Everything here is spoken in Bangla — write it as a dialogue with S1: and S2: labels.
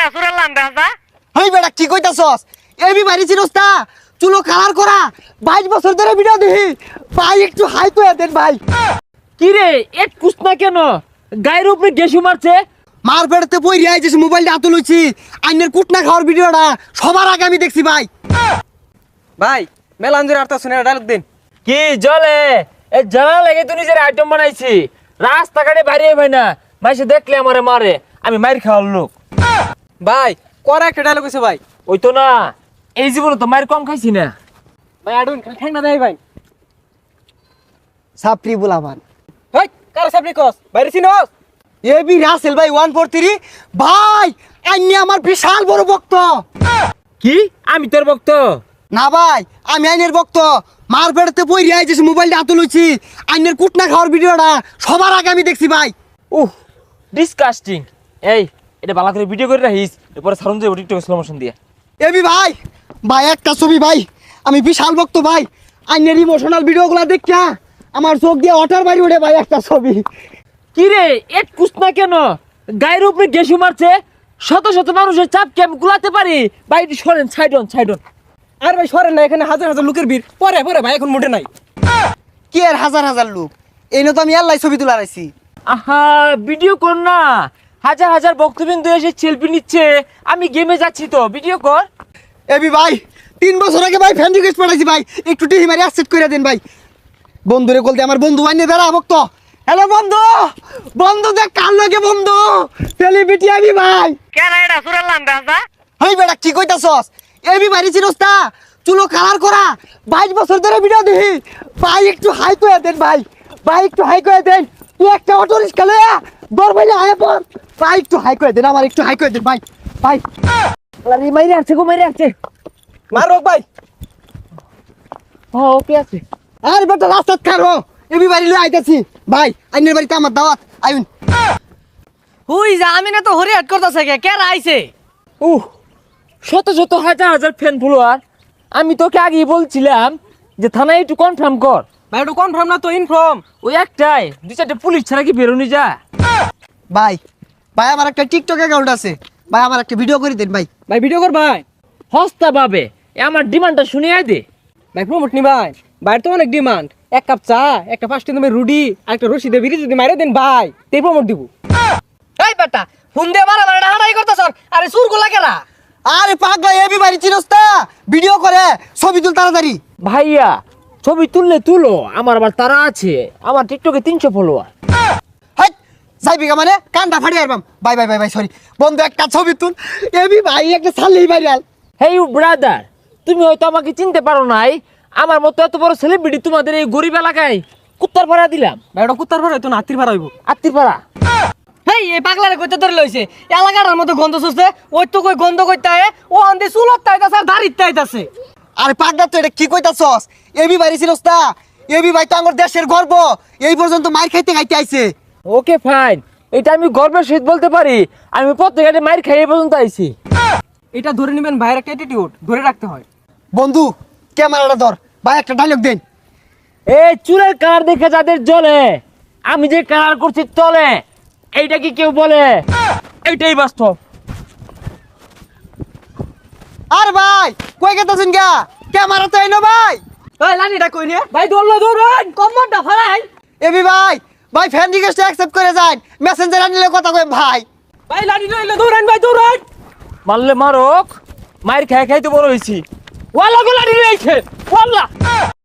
S1: হেই বেটা কি কইতাছস? এবি বাড়ি চিনস না? চুলো কালার করা 22 বছর ধরে ভিডিও দেখি। ভাই একটু হাই কইয়া দেন ভাই।
S2: কি রে এক কুসনা কেন গায়ের উপরে গেসু মারছে?
S1: মার পেড়তে বই রিয়াই যে মোবাইলটা হাতে লইছি। আইনের কুটনা খাওয়ার ভিডিওটা সবার আগে আমি দেখছি ভাই।
S3: ভাই মেলাঞ্জুর আর্তা শুনে ডায়লগ দিন।
S2: কি জলে এ জ্বালা লেগে তুই নিজের আইটেম বানাইছি রাস্তাঘাটে বাইরে ভাই না মাইসে দেখলে আমারে মারে আমি মাইর খাওয়ার লোক।
S3: ভাই করা একটা ডায়লগ আছে ভাই।
S2: ওই তো না এই জীবনে তো মায়ের কম খাইছি না।
S3: ভাই আডুন ঠ্যাং না দেয় ভাই।
S1: সাপ্রি বুলামান।
S3: ভাই কার সামনে কস বাইরে চিনস?
S1: এবি রাসেল ভাই 143 ভাই আইনি আমার বিশাল বড় ভক্ত।
S2: কি আমি তোর ভক্ত?
S1: না ভাই আমি আইনের ভক্ত। মার পেড়তে বই রিয়াই যে মোবাইলটা হাতে লইছি। আইনের কুটনা খাওয়ার ভিডিওটা সবার আগে আমি দেখছি ভাই।
S2: Uh disgusting. এই এটা ভালো করে ভিডিও করে রাখিস এরপরে সারুন যাবো টিকটকে স্লো মোশন দিয়ে।
S1: এবি ভাই ভাই একটা ছবি ভাই আমি বিশাল ভক্ত ভাই। আইনের ইমোশনাল ভিডিওগুলো দেখা আমার চোখ দিয়ে ওঠার বাইরে উঠে ভাই একটা ছবি।
S2: কি রে এক কুসনা কেন গায়ের উপরে গেসু মারছে? শত শত মানুষের চাপকে আমি গুলাতে পারি ভাই একটু সরেন সাইডন।
S3: আর ভাই সরেন না, এখানে হাজার হাজার লোকের ভিড়। পরে পরে ভাই এখন মোটে নাই।
S1: কি আর হাজার হাজার লোক এই তো আমি আল্লাহ ছবি তুলে রাখছি।
S2: আহা ভিডিও কর না, হাজার হাজার বক্তবিন্দু এসে সেলফি নিচ্ছে, আমি গেমে যাচ্ছি তো ভিডিও কর।
S1: এবি ভাই 3 বছর আগে ভাই ফ্যান রিকোয়েস্ট পাঠাইছি ভাই একটু টিহি মারি অ্যাকসেপ্ট করে দেন ভাই। বন্ধুরে বলতে আমার বন্ধু আইনে দাঁড়া ভক্ত। হ্যালো বন্ধু বন্ধু দেখ কার লাগে বন্ধু সেলিব্রিটি আমি ভাই। হেই বেটা কি কইতাছস? এবি বাড়ি চিনস না? চুলো কালার করা 22 বছর ধরে ভিডিও দেখি। ভাই একটু হাই কইয়া দেন ভাই। ভাই একটু হাই কইয়া দেন। তুই একটা অটো রিক্সা লয়া দর ভাইলে আয়া পড়। ভাই একটু হাই কইয়া দেন আমার একটু হাই কইয়া দেন ভাই। ভাই
S2: আরে মাইরে আসছে
S3: মারক ভাই।
S2: ওকে আছে।
S1: আরে বেটা রাস্তা খারো এবি বাড়ি লয়ে আইতাছি ভাই। আইনের বাড়িতে আমার দাওয়াত আইন।
S4: হুই যা আমি না তো হরি হাট করতেছে কে আইছে?
S2: উহ শত শত হাজার হাজার ফ্যান ফলোয়ার। আমি তোকে আগেই বলছিলাম যে থানায় একটু কনফার্ম কর।
S3: ভাই একটু কনফার্ম না তো ইনফর্ম।
S2: ওই একটাই 2-4টা পুলিশ ছাড়া কি বেরোনি যা।
S1: ভাই ভাই আমার একটা টিকটক অ্যাকাউন্ট আছে ভাই আমার একটা ভিডিও করে দেন ভাই।
S3: ভাই ভিডিও কর ভাই।
S2: হস্তা পাবে আমার ডিমান্ডটা শুনিয়ে দে।
S3: ভাই প্রমোট নি ভাই। ভাই তো অনেক ডিমান্ড। 1 কাপ চা, একটা 5 টাকা দামের রুডি আর একটা রশি দিয়ে বিড়ি যদি মাইরে দেন ভাই তেই প্রমোট দিব।
S4: এই বেটা ফোন দিয়ে মারা মারা হাঁটাই করতেছ। আরে সুর গুলা কেরা?
S1: আরে পাগলা এবি বাড়ি চিনস না? ভিডিও করে ছবি তুল তাড়াতাড়ি।
S2: ভাইয়া ছবি তুলো আমার আবার তারা আছে, আমার টিকটকে 300 ফলোয়ার।
S1: হাই যাইবি মানে কানটা ফাড়ি আরবাম। ভাই ভাই ভাই ভাই সরি বন্ধু একটা ছবি তুল। এবি ভাই একটা ছাড়লেই ভাইরাল।
S2: হেই ইউ ব্রাদার, তুমি হয়তো আমাকে চিনতে পারো নাই। আমার মতো এত বড় সেলিব্রিটি তোমাদের এই গরিব এলাকায় কুত্তার ভাড়া দিলাম।
S3: ভাই ওটা কুত্তার ভাড়া হইতো না, হাতির ভাড়া হইব।
S2: আত্মীর ভাড়া।
S4: হেই এই পাগলারে কইতে ধরে লইছে এলাকার মতো গন্ধ শুষছে। ওই তো কই গন্ধ কইতে আয় ও আন্দে চুলত তাইতাছে আর দাড়িত তাইতাছে।
S1: আরে পাগলা তো এটা কি কইতাছস? এবি বাড়ি চিনস না? এবি ভাই তো আমার দেশের গর্ব। এই পর্যন্ত মার খাইতে খাইতে আইছে।
S2: ওকে ফাইন, এটা আমি গর্বের সহিত বলতে পারি। আমি প্রত্যেকটা মাইর খাই এই পর্যন্ত আইছি।
S3: এটা ধরে নেবেন ভাইয়ের একটা অ্যাটিটিউড ধরে রাখতে হয়।
S1: বন্ধু ক্যামেরাটা ধর ভাই একটা ডায়লগ দেন।
S2: এই চুলের কালার দেখে যাদের জ্বলে, আমি যে কালার করছি চলে, এইটা কি কেউ বলে? এইটাই বাস্তব।
S1: আর ভাই কই গেতাছেন গা? ক্যামেরা তো আইনো ভাই।
S3: ভাই লানিটা কই রে?
S4: ভাই দৌড়েন কম্বরটা ফালাই।
S1: এবি ভাই ভাই ফ্যান রিকোয়েস্ট অ্যাকসেপ্ট করে যান। মেসেঞ্জার আনিলে কথা কই ভাই।
S3: ভাই লানি লইলে দৌড়ান ভাই দৌড়ান।
S2: মারলে মারক, মায়ের খাই খাই তো বড় হয়েছি। ওয়াল্লা গোলা নিয়ে ওয়াল্লা